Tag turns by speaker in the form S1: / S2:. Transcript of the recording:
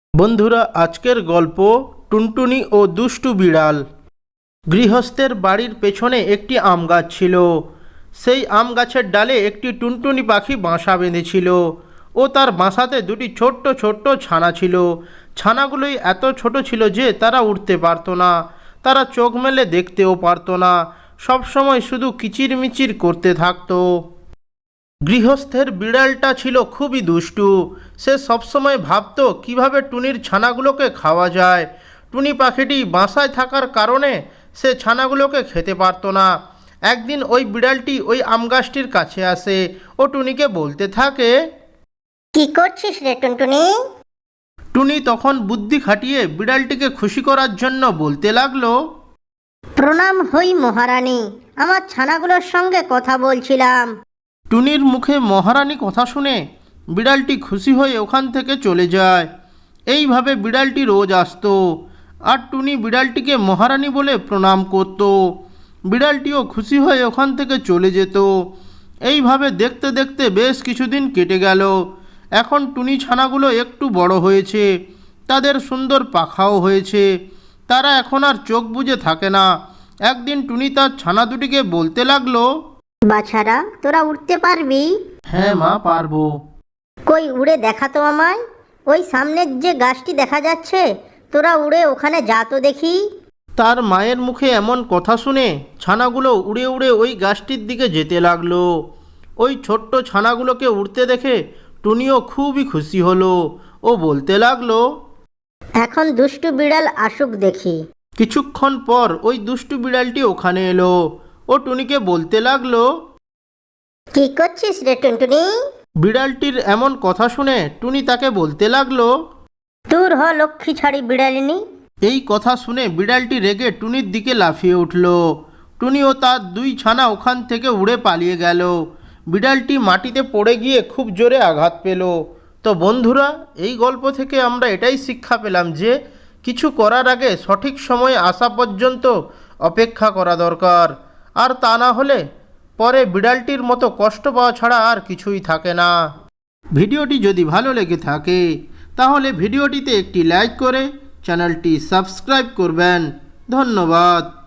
S1: বন্ধুরা, আজকের গল্প টুনটুনি ও দুষ্টু বিড়াল। গৃহস্থের বাড়ির পেছনে একটি আম গাছ ছিল। সেই আম গাছের ডালে একটি টুনটুনি পাখি বাসা বেঁধেছিল ও তার বাসাতে দুটি ছোট্ট ছোট্ট ছানা ছিল। ছানাগুলোই এত ছোট ছিল যে তারা উঠতে পারতো না, তারা চোখ মেলে দেখতেও পারতো না, সবসময় শুধু কিচিরমিচির করতে থাকতো। গৃহস্থের বিড়ালটা ছিল খুবই দুষ্টু। সে সবসময় ভাবতো কিভাবে টুনির ছানাগুলোকে খাওয়া যায়। টুনি পাখিটি বাসায় থাকার কারণে সে ছানাগুলোকে খেতে পারতো না। একদিন ওই বিড়ালটি ওই আম গাছটির কাছে আসে ও টুনিকে বলতে থাকে,
S2: কি করছিস রে টুনটুনি?
S1: টুনি তখন বুদ্ধি খাটিয়ে বিড়ালটিকে খুশি করার জন্য বলতে লাগলো,
S2: প্রণাম হই মহারানী, আমার ছানাগুলোর সঙ্গে কথা বলছিলাম।
S1: টুনির মুখে মহারানী কথা শুনে বিড়ালটি খুশি হয়ে ওখান থেকে চলে যায়। এইভাবে বিড়ালটি রোজ আসতো আর টুনি বিড়ালটিকে মহারানী বলে প্রণাম করত। বিড়ালটিও খুশি হয়ে ওখান থেকে চলে যেত। এইভাবে দেখতে দেখতে বেশ কিছুদিন কেটে গেল। এখন টুনি ছানাগুলো একটু বড় হয়েছে, তাদের সুন্দর পাখাও হয়েছে, তারা এখন আর চোখ বুজে থাকে না। একদিন টুনি তার ছানা দুটিকে বলতে লাগলো,
S2: বাছারা, তোরা উঠতে পারবি?
S1: হ্যাঁ মা, পারবো।
S2: কই উড়ে দেখা তো আমায়। ওই সামনের যে গাছটি দেখা যাচ্ছে, তোরা উড়ে ওখানে যা তো দেখি।
S1: তার মায়ের মুখে এমন কথা শুনে ছানাগুলো উড়ে উড়ে ওই গাছটির দিকে যেতে লাগলো। ওই ছোট্ট ছানাগুলোকে উড়তে দেখে টুনিও খুবই খুশি হলো। ও বলতে লাগলো,
S2: এখন দুষ্টু বিড়াল আসুক দেখি।
S1: কিছুক্ষণ পর ওই দুষ্টু বিড়ালটি ওখানে এলো। ও টুনিকে বলতে লাগলো,
S2: কি করছিস রে টুনটুনি?
S1: বিড়ালটির এমন কথা শুনে টুনি তাকে বলতে লাগলো,
S2: দূর হ লক্ষ্মী ছাড়ি বিড়ালিনী।
S1: এই কথা শুনে বিড়ালটি রেগে টুনির দিকে লাফিয়ে উঠল। টুনি ও তার দুই ছানা ওখান থেকে উড়ে পালিয়ে গেল। বিড়ালটি মাটিতে পড়ে গিয়ে খুব জোরে আঘাত পেল। তো বন্ধুরা, এই গল্প থেকে আমরা এটাই শিক্ষা পেলাম যে কিছু করার আগে সঠিক সময়ে আসা পর্যন্ত অপেক্ষা করা দরকার। আর তা না হলে পরে বিড়ালটির মতো কষ্ট পাওয়া ছাড়া আর কিছুই থাকে না। ভিডিওটি যদি ভালো লেগে থাকে তাহলে ভিডিওটিতে একটি লাইক করে চ্যানেলটি সাবস্ক্রাইব করবেন। ধন্যবাদ।